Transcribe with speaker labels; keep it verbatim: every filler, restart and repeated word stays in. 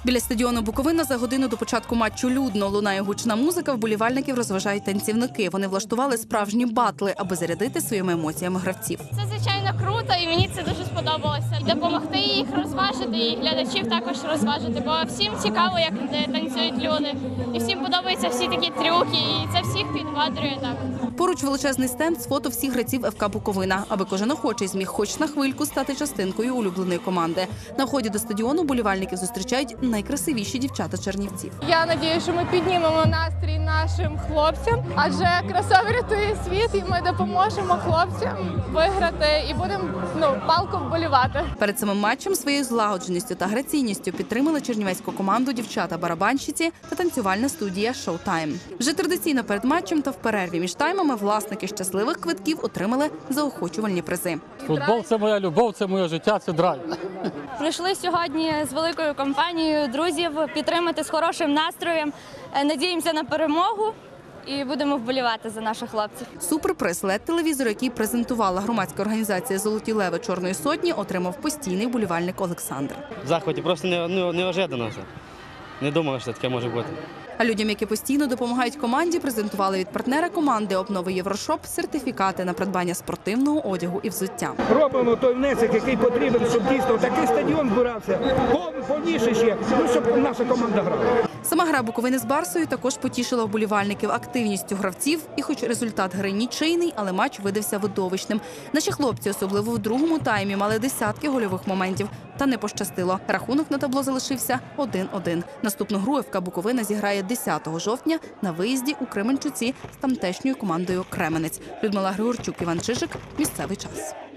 Speaker 1: Біля стадіону Буковина за годину до початку матчу людно. Лунає гучна музика, вболівальників розважають танцівники. Вони влаштували справжні батли, аби зарядити своїми емоціями гравців.
Speaker 2: Це, звичайно, круто, і мені це дуже сподобалося. Допомогти їх розважити, і глядачів також розважити, бо всім цікаво, як танцюють люди. І всім подобаються всі такі трюки, і це всіх підбадрює так.
Speaker 1: Поруч величезний стенд з фото всіх гравців еф ка Буковина, аби кожен охочий зміг хоч на хвильку стати частинкою улюбленої команди. На вході до стадіону болівальників зустрічають найкрасивіші дівчата чернівців.
Speaker 3: Я сподіваюся, що ми піднімемо настрій нашим хлопцям, адже краса врятує світ, і ми допоможемо хлопцям виграти і будемо ну, палко вболівати.
Speaker 1: Перед самим матчем своєю злагодженістю та граційністю підтримали чернівецьку команду дівчата-барабанщиці та танцювальна студія «Шоутайм». Вже традиційно перед матчем та в перерві між таймами власники щасливих квитків отримали заохочувальні призи.
Speaker 4: Футбол – це моя любов, це моє життя, це драйв.
Speaker 2: Прийшли сьогодні з великою компанією друзів підтримати з хорошим настроєм. Надіємося на перемогу і будемо вболівати за наших хлопців.
Speaker 1: Суперприз лед-телевізор, який презентувала громадська організація «Золоті леви Чорної сотні», отримав постійний вболівальник Олександр.
Speaker 5: В захваті просто неожиданно. Не думав, що таке може бути.
Speaker 1: А людям, які постійно допомагають команді, презентували від партнера команди «Обнови Єврошоп» сертифікати на придбання спортивного одягу і взуття.
Speaker 6: Робимо той внесок, який потрібен, щоб дійсно такий стадіон збирався, повніше ще, ну, щоб наша команда грала.
Speaker 1: Сама гра Буковини з Барсою також потішила вболівальників активністю гравців. І хоч результат гри нічийний, але матч видався видовищним. Наші хлопці, особливо в другому таймі, мали десятки гольових моментів. Та не пощастило. Рахунок на табло залишився один-один. Наступну гру еф ка Буковина зіграє десятого жовтня на виїзді у Кременчуці з тамтешньою командою «Кременець». Людмила Григорчук, Іван Чижик. Місцевий час.